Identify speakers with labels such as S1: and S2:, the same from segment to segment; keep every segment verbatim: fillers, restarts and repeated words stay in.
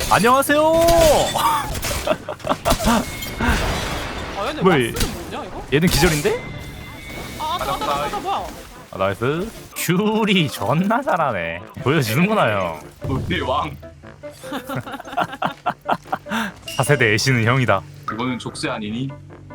S1: 안녕하세요.
S2: 아 얘네
S1: 뭐야,
S2: 왁스는 뭐냐 이거?
S1: 얘는 기절인데?
S2: 아 맞다 맞다 맞다 뭐야?
S1: 아, 나이스. 큐리 존나 잘하네. 보여주는구나 형.
S3: 우리 왕.
S1: 차세대 애쉬는 형이다.
S3: 이거는 족쇄 아니니?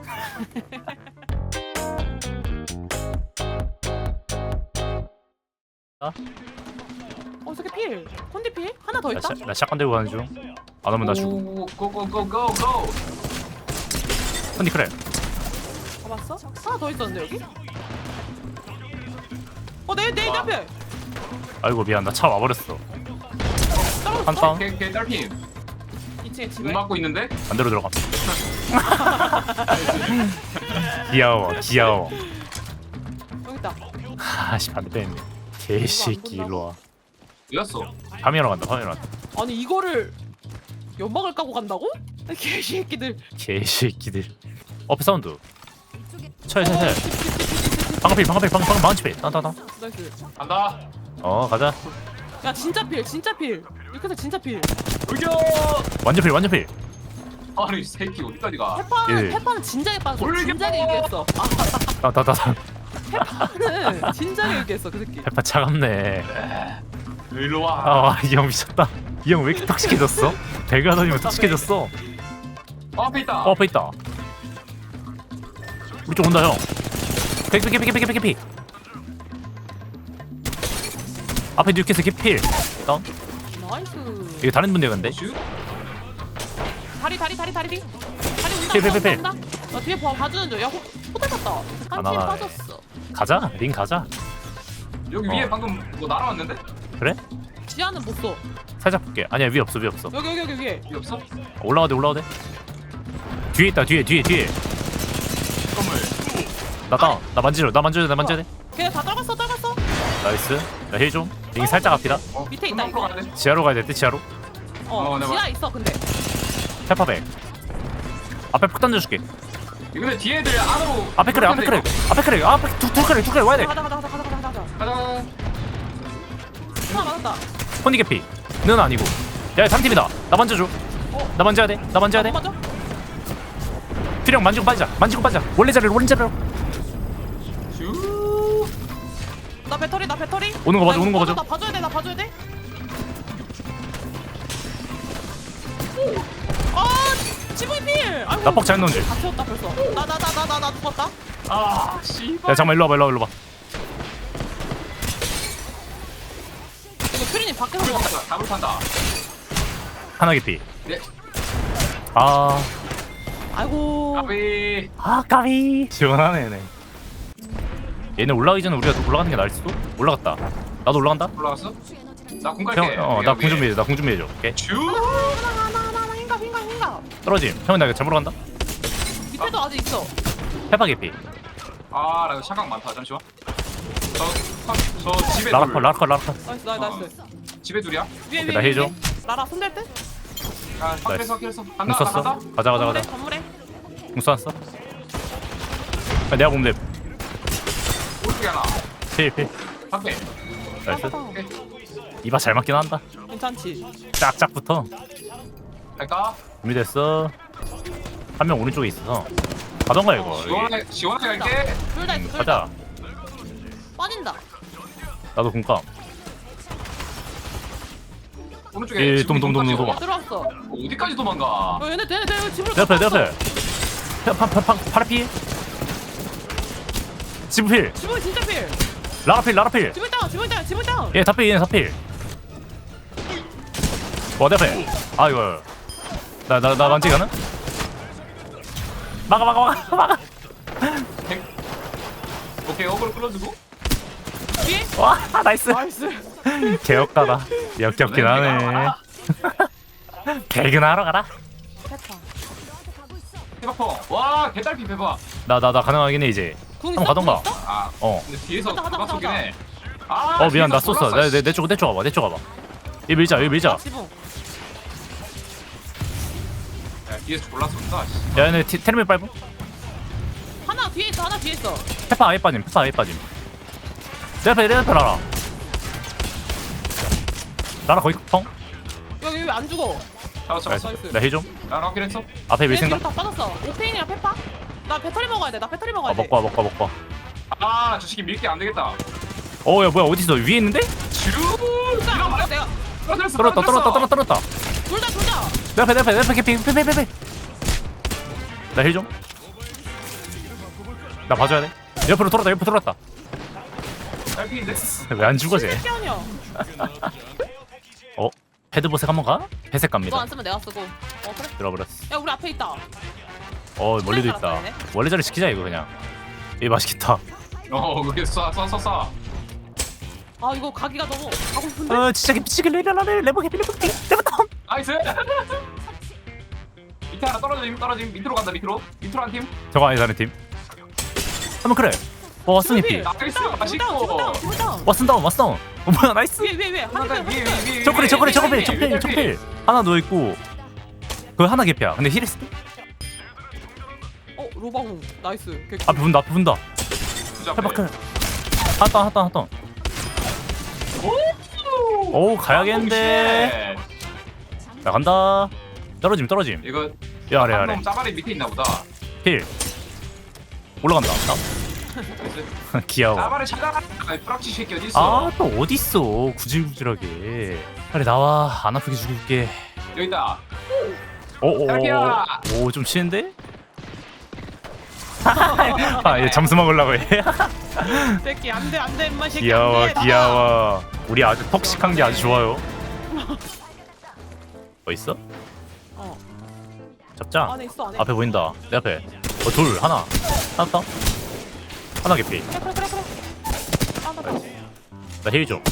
S2: 어 저게 필. 콘디 필? 하나 더
S1: 나,
S2: 있다?
S1: 시, 나 샷건 들고 가는 중. 안 오면 나 죽음.
S3: 고고고고고.
S1: 컨디 크랩.
S2: 잡았어? 하나 더 있었는데 여기? 어내내 내 앞에.
S1: 아이고 미안, 나 차 와버렸어.
S2: 떨어졌어?
S1: 한 방.
S3: 걔걔 딸피.
S2: 이 층에 집에.
S3: 문 막고 있는데?
S1: 반대로 들어가. 귀여워, 귀여워.
S2: 여기 있다.
S1: 아씨 반대했네. 개새끼 일로 와.
S3: 왜였어?
S1: 파미러 간다, 파미러 간다.
S2: 아니 이거를 연막을 까고 간다고? 개새끼들.
S1: 개새끼들. 어피 사운드. 쳐야 쳐야 쳐야. 방패 방패 방패 방패 망치패. 따따따.
S2: 나이스.
S3: 간다.
S1: 어 가자.
S2: 야 진짜 필 진짜 필. 이렇게 해서 진짜 필.
S3: 돌격.
S1: 완전 필 완전 필.
S3: 아니 이 새끼 어디까지 가?
S2: 페파는
S1: 예.
S2: 페파는 진작에 빠졌어.
S3: 돌려!
S2: 진작에 얘기했어. 아
S1: 따따따.
S2: 페파는 진작에 얘기했어 그 새끼.
S1: 페파 차갑네.
S3: 일로 와.
S1: 아이 형 미쳤다. 이 형 왜 이렇게 톡식해졌어? 배가 다니면 톡식해졌어.
S3: 어, 앞에 있다.
S1: 어 앞에 있다. 우리 쪽 온다 형. 개피 개피 개피 개피 개피. 앞에 뉴캐스 개필. 다운.
S2: 나이스.
S1: 이거 다른 분들 간데.
S3: 슛.
S2: 다리 다리 다리 다리 다리 온다
S1: 필, 필,
S2: 온다
S1: 필,
S2: 온다 온다. 나 뒤에 봐 봐주는 줄. 야 호, 호텔 갔다. 깐팀
S1: 하나.
S2: 빠졌어.
S1: 가자. 링 가자.
S3: 여기
S1: 어.
S3: 위에 방금 뭐 날아왔는데?
S1: 그래?
S2: 지하는 못 써.
S1: 살짝 볼게. 아니야 위 없어 위 없어.
S2: 여기 여기 여기 위에.
S3: 여기 없어?
S1: 올라와대 올라와대. 뒤에 있다 뒤에 뒤에 뒤에.
S3: 건물.
S1: 나 다운. 나 만지려 나 만져야 돼 나 만져야 돼.
S2: 걔네 다 떨궜어 떨궜어.
S1: 나이스. 나 힐 좀. 링 살짝 앞이다.
S3: 어,
S2: 밑에 있다,
S3: 건물
S2: 이거.
S3: 가야 돼.
S1: 지하로 가야 돼 지하로.
S2: 어,
S3: 어, 내가
S2: 지하 있어 근데.
S1: 페파백. 앞에 폭 던져줄게.
S3: 이거 근데 뒤에 애들 안으로.
S1: 앞에 그래 앞에 그래 앞에 그래 앞에 두두 그래 두 그래 와야 돼.
S2: 가자 가자 가자 가자 가자 가자.
S3: 가자.
S2: 하나 맞았다.
S1: 혼니 개피. 는 아니고. 야 삼 팀이다. 나 만져줘. 나 만져야 돼. 나 만져야 돼.
S2: 어, 맞아?
S1: 필형 만지고 빠지자. 만지고 빠지자. 원래 자리로 원래 자리로.
S3: 슈.
S2: 나 배터리 나 배터리.
S1: 오는 거 봐줘,
S2: 나
S1: 오는 거
S2: 이거
S1: 봐줘.
S2: 나 봐줘야 돼 나 봐줘야 돼. 아 지붕 필. 아이고.
S1: 나 뻑 잘 넣은 줄.
S2: 다 채웠다 벌써. 나 나 나 나 나 나 죽었다.
S3: 아 씨발.
S1: 야 잠깐만 일로 와봐 일로 와봐 일로 와봐.
S2: 이거 퓨리님 밖에서
S3: 답을
S2: 먹었다.
S3: 판다. 답을 판다.
S1: 하나 개피.
S3: 네.
S1: 아.
S2: 아이고.
S3: 까비.
S1: 아 까비. 시원하네 얘네. 얘네 올라가기 전에 우리가 올라가는 게 나을 수도? 올라갔다. 나도 올라간다.
S3: 올라왔어? 나 공 갈게.
S1: 형, 어나 궁 준비해. 나 궁 준비해줘. 오케이.
S3: 슈.
S2: 하나 하나 하나 하나 흰갑 흰갑 흰갑.
S1: 떨어짐. 형이 나 이거 잘못 간다.
S2: 밑에도 아직 있어.
S1: 페파 개피.
S3: 아, 나 이거 샷각 많다. 잠시만. 저, 저, 저 집에
S1: 라라커
S3: 둘.
S1: 라라커 라라커.
S2: 나이스 나이스 나이스.
S3: 집에 둘이야?
S2: 위에
S1: 오케이,
S2: 위에
S1: 나
S2: 위에,
S1: 해줘.
S2: 위에. 라라 손댈 때?
S3: 아, 확실했어, 확실했어. 간다,
S1: 궁
S3: 나
S1: 썼어.
S3: 간다.
S1: 가자 가자
S2: 건물에
S1: 가자.
S2: 건물에.
S1: 궁 쐈어. 야, 내가 보면 돼.
S3: 오른쪽에 하나.
S1: 필 필.
S3: 밖에.
S1: 나이스.
S3: 오케이.
S1: 이봐 잘 맞긴 한다.
S2: 괜찮지.
S1: 짝짝부터.
S3: 갈까?
S1: 준비됐어. 한 명 오른쪽에 있어서. 가던가 이거. 여기.
S3: 시원하게, 시원하게 갈게.
S2: 둘 다 있어 둘 다.
S1: 가자.
S2: 빠진다.
S1: 나도 궁감.
S3: 오른쪽에.
S1: 예,
S3: 지붕이
S1: 동, 동, 동,
S3: 똑같이
S1: 동,
S3: 와.
S2: 들어왔어.
S3: 어디까지 도망가?
S2: 어 얘네 얘네 얘네 집으로
S1: 내 앞에 내
S2: 갔어.
S1: 앞에. 파파파 파라피. 지브필.
S2: 지붕 진짜 필.
S1: 라라필 라라필.
S2: 지붕 다운 지붕 다운 지붕 다운.
S1: 얘 다필 얘는 다필. 와내 앞에. 아 이거. 나 나 나 만지 가는? 막아 막아 막아 막아.
S3: 오케이, 어그로 끌어주고.
S2: 뒤에.
S1: 와 나이스.
S2: 나이스.
S1: 개역가다. 역겹긴 하네. 개근하러 가라.
S2: 됐다.
S3: 해바펑. 와, 개딸피 배봐.
S1: 나 나 나 가능하긴 해 이제.
S2: 궁
S1: 한번 가던가.
S2: 궁 있어?
S3: 아,
S1: 어.
S3: 근데 뒤에서
S2: 가자, 가자,
S3: 누가
S2: 가자,
S3: 쏘긴
S2: 가자.
S3: 해. 아,
S1: 어 미안 나
S3: 뒤에서
S1: 쏘어.
S3: 몰랐어, 씨.
S1: 내내쪽 내쪽 와봐. 내쪽 와봐. 이 밀자 이 밀자.
S2: 지붕.
S3: 야, 뒤에서 졸라 쏜다. 씨.
S1: 야 얘네 티- 테르밀 빨고.
S2: 하나 뒤에 있어 하나 뒤에 있어.
S1: 페파 아예 빠짐. 페파 아예 빠짐. 내 앞에 내 앞에 라라. 라라 거의 펑.
S2: 여기 왜 안 죽어?
S3: 잡았어
S1: 나이스.
S3: 잡았어.
S1: 나 힐 좀.
S3: 나 럭킬 했어.
S1: 앞에 밀
S2: 얘 뒤로
S1: 생각.
S2: 다 빠졌어. 오페인이랑 페파. 나 배터리 먹어야 돼. 나 배터리 먹어야
S1: 아
S2: 돼.
S1: 먹고 와 먹고 와 먹고 와.
S3: 아저 새끼 밀게 안 되겠다.
S1: 어야 뭐야 어디 있어 위에 있는데?
S3: 슈.
S2: 진짜
S3: 이거
S2: 내가 내가
S3: 떨어졌어.
S1: 떨었다 떨었다 떨었다 떨었다.
S2: 둘다 둘다.
S1: 내 앞에 내 앞에 내 앞에 캐피 페페페페. 나 힐 좀. 나 봐줘야 돼. 옆으로 돌았다 옆으로 돌았다.
S3: 딸피인데.
S1: 왜 안 죽어 쟤?
S2: 시원이야.
S1: 어? 헤드보색 한번 가? 회색
S2: 너
S1: 갑니다.
S2: 안 쓰면 내가 쓰고. 어 그래?
S1: 들어버렸어.
S2: 야 우리 앞에 있다.
S1: 어 멀리도 있다.
S2: 살았다,
S1: 원래 자리 지키자 이거 그냥. 이 맛있겠다.
S3: 어 그게 쏴쏴쏴 쏴.
S2: 아 이거 가기가 너무 가고 싶은데.
S1: 어 진짜 미치겠네. 레라레 레버 해피 레버 레버 다운.
S3: 나이스. 밑에 하나 떨어짐 떨어짐 밑으로 간다 밑으로 밑으로 한 팀.
S1: 저거 아니 다른 팀. 한번 그래. 어 왓슨 해피.
S3: 나이스
S2: 다운
S3: 맛있고.
S2: 다운 다운 다운.
S1: 왓슨 다운 왓슨 다운. 어 뭐야 나이스.
S2: 위에 위에 위에 한
S3: 위에
S2: 명.
S3: 위에 위에.
S1: 초콜릿 초콜릿 초콜릿
S3: 위에,
S1: 초필
S3: 위에,
S1: 초필. 하나 누워 있고. 그 하나 개피야. 근데 힐했어.
S2: 어 로방우 나이스. 개꿀.
S1: 앞에 분다 앞에 분다.
S3: 부자
S1: 해바클. 하다 하다 하다. 오 가야겠는데. 나 간다. 떨어짐 떨어짐.
S3: 이거
S1: 야 아래 아래.
S3: 한놈 짜바리 밑에 있나 보다.
S1: 힐. 올라간다. 나? 귀여워.
S3: 짜바리 찾아라. 프락치 새끼 어디 있어?
S1: 아 또 어디 있어? 구질구질하게. 빨리 나와. 안 아프게 죽일게.
S3: 여기 있다.
S1: 오오오. 오좀 치는데? 아얘 잠수 먹으려고 해.
S2: 새끼 안돼 안돼 임마 새끼
S1: 귀여워
S2: 안돼.
S1: 귀여워. 우리 아주 톡식한 게 아주 좋아요. 뭐 있어?
S2: 어
S1: 잡자.
S2: 안에 있어 안에.
S1: 앞에 보인다. 내 앞에. 어 둘 하나. 하나 더. 하나 개피.
S2: 그래 그래 그래 그래. 아나
S1: 나 힐 좀.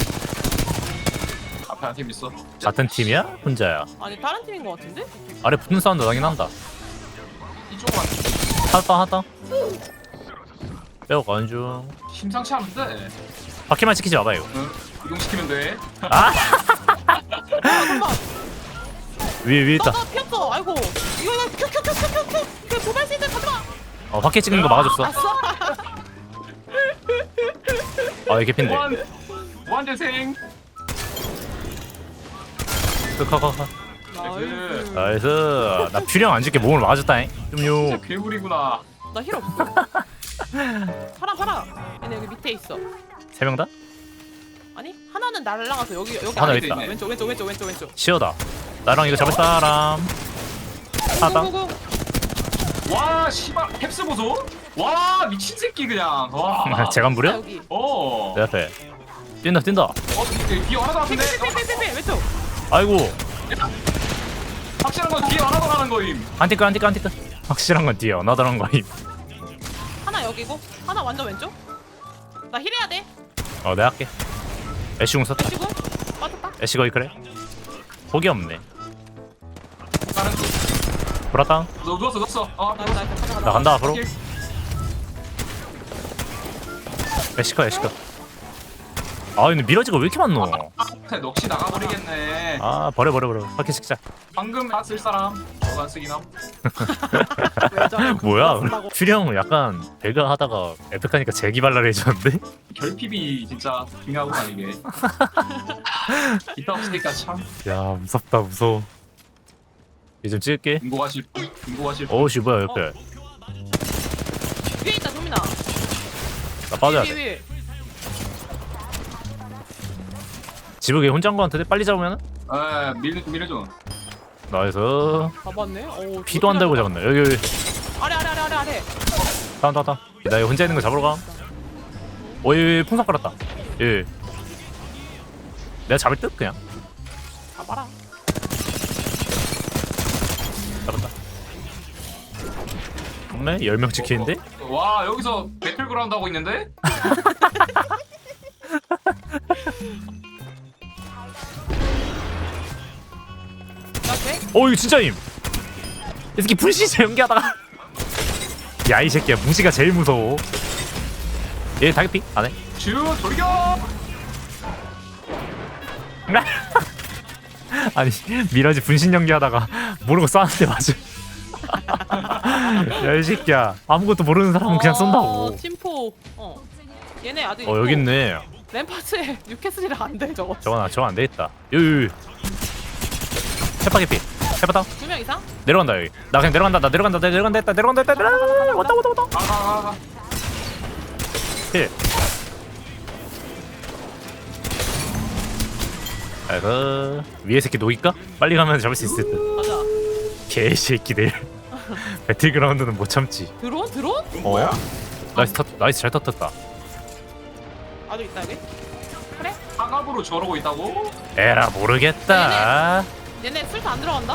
S3: 앞에 한 팀 있어.
S1: 같은 팀이야? 혼자야?
S2: 아니 다른 팀인 것 같은데?
S1: 아래 붙는 사운드 나긴 한다.
S3: 이쪽만
S1: 하나 더 하나 더. 빼고 가는 중.
S3: 심상치 않은데.
S1: 바퀴만 지키지 마봐요.
S3: 응. 이동시키면 돼.
S1: 아
S2: 잠깐만.
S1: 위에 위에 있다.
S2: 나 피었어. 아이고 이거 이거 큐큐큐큐큐큐 그 도발 시즌 가져가.
S1: 어 바퀴 찍는 거 막아줬어.
S2: 아싸.
S1: 아 이게 핀데.
S3: 원 원재생.
S1: 커커커.
S2: 나이스.
S1: 나이스. 나 퓨령 안 줄게 몸을 맞았다잉. 좀요.
S3: 진짜 괴물이구나.
S2: 나 힐 없어. 팔아 팔아. 얘네 여기 밑에 있어.
S1: 세 명 다?
S2: 아니 하나는 날라가서 여기 여기
S1: 하나
S2: 안에
S1: 있다.
S2: 있네. 왼쪽 왼쪽 왼쪽 왼쪽 왼쪽.
S1: 시어다. 나랑 이거 잡을 사람. 하나.
S2: 고고고.
S3: 와 씨발 캡스 보소. 와 미친 새끼 그냥. 와.
S1: 재간
S2: 아,
S1: 부려?
S2: 여기.
S3: 어.
S1: 내 앞에. 뛴다 뛴다.
S3: 어 뒤에 하나도 안 되네.
S2: 빼빼빼빼빼 왼쪽.
S1: 아이고.
S3: 확실한 건 뒤에 하나도 안 하는 거임.
S1: 안티크 안티크 안티크. 확실한 건 뒤에 어나더란 거임.
S2: 하나 여기고 하나 완전 왼쪽. 나 힐해야 돼.
S1: 어 내가 할게. 애쉬궁 썼다.
S2: 왼쪽은 빠졌다.
S1: 애쉬 거의 그래. 폭이 없네.
S3: 다른 쪽.
S1: 브라땅.
S3: 너 누웠어 누웠어. 어.
S2: 나이스 나이스 가자 가자.
S1: 나 간다 앞으로.
S3: 킬.
S1: 애쉬커 애쉬커. 아 근데 미러지가 왜 이렇게 많노?
S3: 아, 넋이 나가버리겠네.
S1: 아 버려 버려 버려. 바퀴 찍자.
S3: 방금 다 쓸 사람. 너가 쓰긴 함.
S2: 왜 저래?
S1: 뭐야?
S2: 쓴다고.
S1: 퓨령 약간 배가 하다가 에픽하니까 재기발랄해졌는데?
S3: 결핍이 진짜 중요하구나 이게. 기타 없으니까 참.
S1: 야 무섭다 무서워. 이제 좀 찍을게.
S3: 인고가실 인고가실.
S1: 어우씨 뭐야 옆에.
S2: 위에 있다 도민아.
S1: 나 빠져야
S2: 위에
S1: 돼.
S2: 위에.
S1: 지붕에 혼자인 거 같은데 빨리 잡으면은?
S3: 에 밀 밀어줘.
S1: 나이스.
S2: 잡았네. 오.
S1: 피도 안 달고 잡았네. 여기 여기.
S2: 아래 아래 아래 아래 아래.
S1: 다운 다운 다운. 나 여기 혼자 있는 거 잡으러 가. 오이 풍선 깔았다. 예. 내가 잡을 듯 그냥.
S2: 잡아라.
S1: 잡았다. 없네? 열 명 지키는데?
S3: 와 여기서 배틀그라운드 하고 있는데?
S2: 나 돼?
S1: 어 이거 진짜임. 이 새끼 불시체 연기하다가. 야 이 새끼야 무지가 제일 무서워. 얘 다이피 안 해?
S3: 주 돌격.
S1: 아니 미라지 분신 연기하다가 모르고 쐈는데 맞아. 야 이 새끼야 아무것도 모르는 사람은 그냥 쏜다고.
S2: 어, 팀포. 어. 얘네 아직.
S1: 어 여기 있네.
S2: 램파스에 뉴캐슬이라 안 돼 저거.
S1: 저건 저건 안 되겠다. 여기 페파 개피. 페파 다운.
S2: 두 명 이상?
S1: 내려간다 여기. 나 그냥 내려간다. 나 내려간다. 나 내려간다 했다. 내려간다 했다. 내려간다. 왔다 왔다 왔다.
S3: 가가가가.
S1: 힐. 아이고 위에 새끼 녹일까? 빨리 가면 잡을 수 있을 듯.
S2: 가자.
S1: 개새끼들. 배틀그라운드는 못 참지.
S2: 드론? 드론?
S1: 어? 나이스 터, 나이스 잘 터졌다.
S2: 아주 있다 여기. 그래?
S3: 상압으로 저러고 있다고?
S1: 에라 모르겠다.
S2: 얘네 술도 안 들어간다?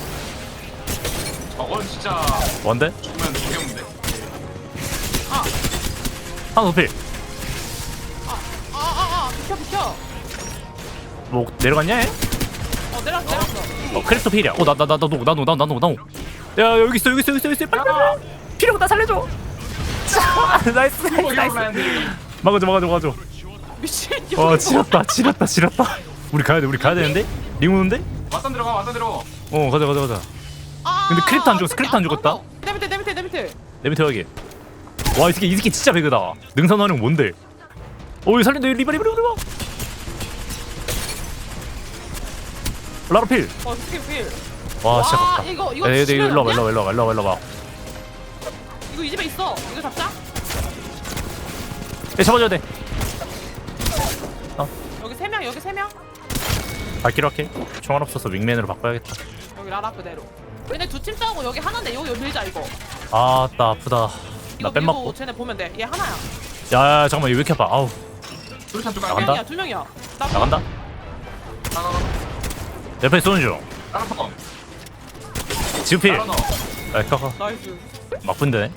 S3: 저건 진짜
S1: 뭔데?
S3: 죽으면 죽였는데.
S2: 아,
S1: 하나 높이.
S2: 아, 아, 아, 아, 비켜, 비켜.
S1: 뭐 내려갔냐? 얘?
S2: 어, 내렸어, 내렸어.
S1: 어 크리스토 필이야. 어나나나나나나나나나나. 야 여기 있어 여기 있어 여기 있어 여기 있어. 빨리 빨리. 빨리. 필요고 나 살려줘. 자, 나이스 나이스 나이스. 막아줘 막아줘 막아줘.
S2: 미친.
S1: 어
S2: 여기
S1: 지렸다 지렸다 지렸다. 우리 가야 돼 우리 가야 되는데? 링 오는데?
S3: 왔다 들어가 왔다 들어가.
S1: 어 가자 가자 가자.
S2: 아,
S1: 근데 크립트 안 죽었어,
S2: 어떡해.
S1: 크립트 안 죽었다.
S2: 어, 내 밑에, 내 밑에, 내 밑에.
S1: 내 밑에 여기. 와이 새끼 이 새끼 진짜 배그다. 능선 활용 뭔데? 어이 살린다 리바 리바 리바 리바. 라라필.
S2: 어, 스킬 필.
S1: 와 진짜
S2: 와,
S1: 깝다.
S2: 이거, 이거
S1: 야, 얘, 얘,
S2: 지면
S1: 일로 와봐
S2: 없냐?
S1: 일로 와봐 일로 와봐 일로 와봐.
S2: 이거 이 집에 있어. 이거 잡자.
S1: 얘 잡아줘야 돼.
S2: 여기 세 명, 여기 세 명.
S1: 발키로 할게. 총알 없어서 윙맨으로 바꿔야겠다.
S2: 여기 라라 그대로. 얘네 두 팀 싸우고 여기 하나인데 여기 여기 밀자 이거.
S1: 아나 아프다.
S2: 이거
S1: 나 뺨
S2: 밀고
S1: 맞고.
S2: 쟤네 보면 돼. 얘 하나야.
S1: 야 잠깐만 얘 왜 이렇게 아파? 아우
S3: 수류탄 쪽
S2: 두
S1: 나간다?
S3: 갈게.
S2: 명이야, 두 명이야. 나
S1: 나간다.
S3: 나가가.
S1: 옆에 쏘는 중.
S3: 나가 터.
S1: 지우필.
S3: 나가 너.
S1: 아 까까.
S2: 나이스.
S1: 막분되네.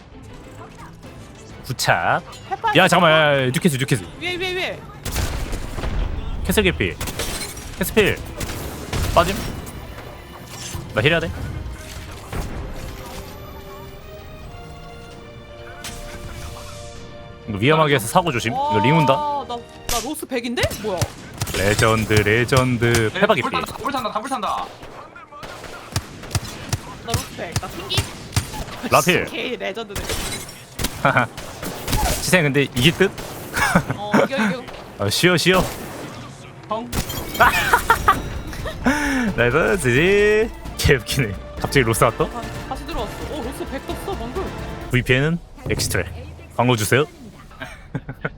S1: 구착.
S2: 페파.
S1: 야 잠깐만 야, 야, 뉴캐스 뉴캐스.
S2: 위에 위에 위에.
S1: 캐슬 개피. 캐스필. 빠짐. 나 힐해야 돼. 이거 위험하게 해서 사고 조심. 이거 링 온다.
S2: 나나 나 로스 백인데? 뭐야?
S1: 레전드 레전드 페바 개피.
S3: 불 탄다 불 탄다 불 탄다.
S2: 나 로스 백. 나 튕기.
S1: 라필.
S2: 개 레전드네.
S1: 지생 근데 이길 듯?
S2: 어 이겨 이겨.
S1: 어, 쉬어 쉬어.
S3: 펑.
S1: 나이스 지지. 개웃기네. 갑자기 로스 왔다?
S2: 다, 다시 들어왔어. 어 로스 백 떴어 방금.
S1: 브이피엔은 엑스트랙. 광고 주세요.